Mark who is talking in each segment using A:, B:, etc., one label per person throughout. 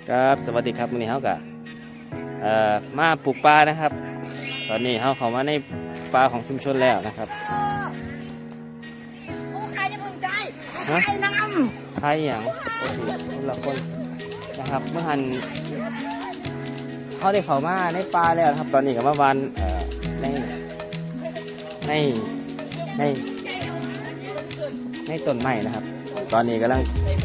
A: ครับสวัสดีครับวันนี้เขากะมาปลูกปลานะครับตอนนี้เขาเข้ามาในปลาของชุมชนแล้วนะครับ
B: ผู้ใครจะพึงใจใครนำ
A: ใครอย่างคนละคนนะครับเมื่อหันเขาได้เข้ามาในปลาแล้วครับตอนนี้กับเมื่อวานในต้นไม้นะครับตอนนี้กำลัง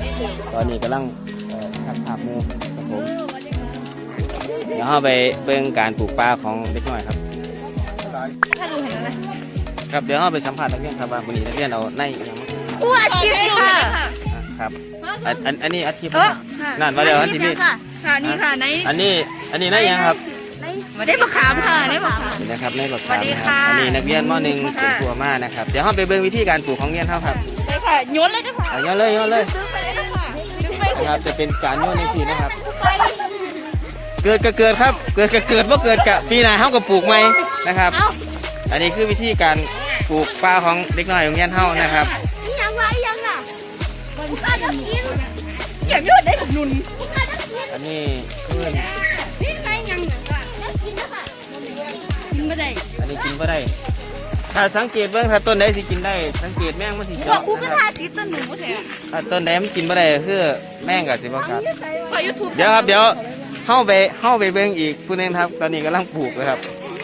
A: ทักภาพมือครับผมเดี๋ยวเราไปเบิ่งการปลูกปลาของเด็กน้อยครับ
B: ถ้าดูเห็นแล้ว
A: ครับเดี๋ยวเราไปสัมภาษณ์นักเรียนครับว่าวันนี้นักเรียนเอาในอย่างมั้ง
B: อู้อาชีพค่ะ
A: ครับอันนี้อาชีพนั่นมาเดี๋ยวอันที่นี่
B: ค่ะนี่ค่ะใน
A: อันนี้ในยังครับ
B: ได้มะขามค่ะได้มะขาม
A: นะครับในบักขามนะครับอันนี้นักเรียนม.1เสียงตัวมานะครับเดี๋ยวเราไปเบิ่งวิธีการปลูกของเรียนเขาครับ
B: ได้ค่ะโยนเลยจ้ะค่ะ
A: โยนเลยนะครับจะเป็นการโยนในทีนะครับเกิดก็เกิดครับเกิดว่าเกิดกะปีหน้าเขาก็ปลูกใหม่นะครับอันนี้คือวิธีการปลูกปลาของเด็กน้อยโรงเรียนเฮานะครับ
B: ยังไงยังอ่ะมันก็จะกินอย่างนี้ได้ผมนุน
A: อันนี้คือ
B: นี่ไงยังกินนะคะกินไม่ได้
A: อันนี้กินไม่ได้ถ้าสังเกตเบื้องถ้าต้นใดสิกินได้สังเกตแมงมันสิเจาะ
B: นะครับ
A: ถ้าต้นใดมันกินไม่ได้คือแมงกับสิบ่ครับเดี๋ยวเข้าไปเบื้องอีกผู้นึงครับตอนนี้กำลังปลูกเลยครับ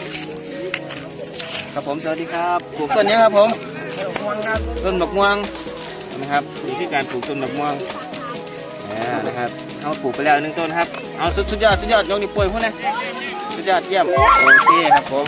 A: ครับผมสวัสดีครับปลูกต้นนี้ครับผมต้นดอกม่วงนะครับวิธีการปลูกต้นดอกม่วงนะครับเอาปลูกไปแล้ว1 ต้นครับเอาสุดยอดยกนิ้วโป้ยพวกนี้สุดยอดเยี่ยมโอเคครับผม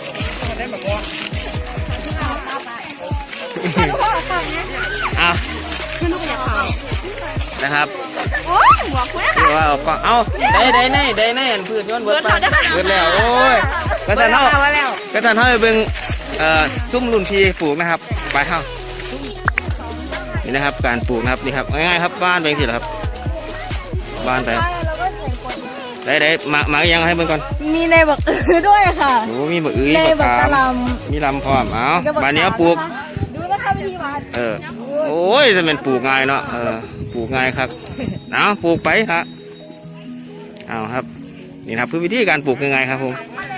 A: นะครับ
B: โอ้ยหัวคุณ
A: คือว่าเอาได้อันพืชย้อนเบิดแล้วโอ้ยกระสันเท่าไปเบิ่งซุ้มรุ่นพี่ปลูกนะครับไปเท่านี่นะครับการปลูกนะครับนี่ครับง่ายๆครับบ้านเป็นสิเหรอครับบ้านไปได้มายังให้เบิ่งก่อน
B: มีในบักด้วยค่ะ
A: โอ้มีบักอื้อ
B: ในบักตะล
A: มีลำพร้อมเอาบ้านนี้ปลูก
B: ดูนะคะวิธีวาด
A: โอ้ยจะเป็นปลูกง่ายเนาะปลูกง่ายครับเอาปลูกไปครับเอาครับนี่ครับคือวิธีการปลูกยังไงครับผม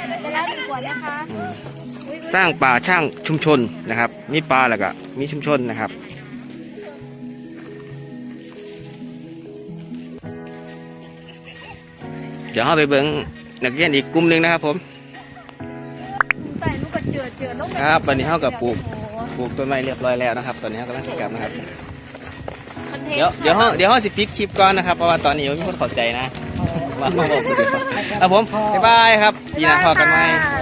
A: สร้างป่าช่างชุมชนนะครับมีป่าแล้วก็มีชุมชนนะครับเดี๋ยวเราไปเบิ่งนักเรียนอีกกลุ่มหนึ่งนะครับผมครับตอนนี้เรากับปลูกต้นไม้เรียบร้อยแล้วนะครับตอนนี้เรากำลังสิกลับนะครับเดี๋ยวเราสิปิดคลิปก่อนนะครับเพราะว่าตอนนี้ไม่มีคนเข้าใจนะมาบอกกันดีกว่าครับผมบ๊ายบายครับปีหน้าพบกันใหม่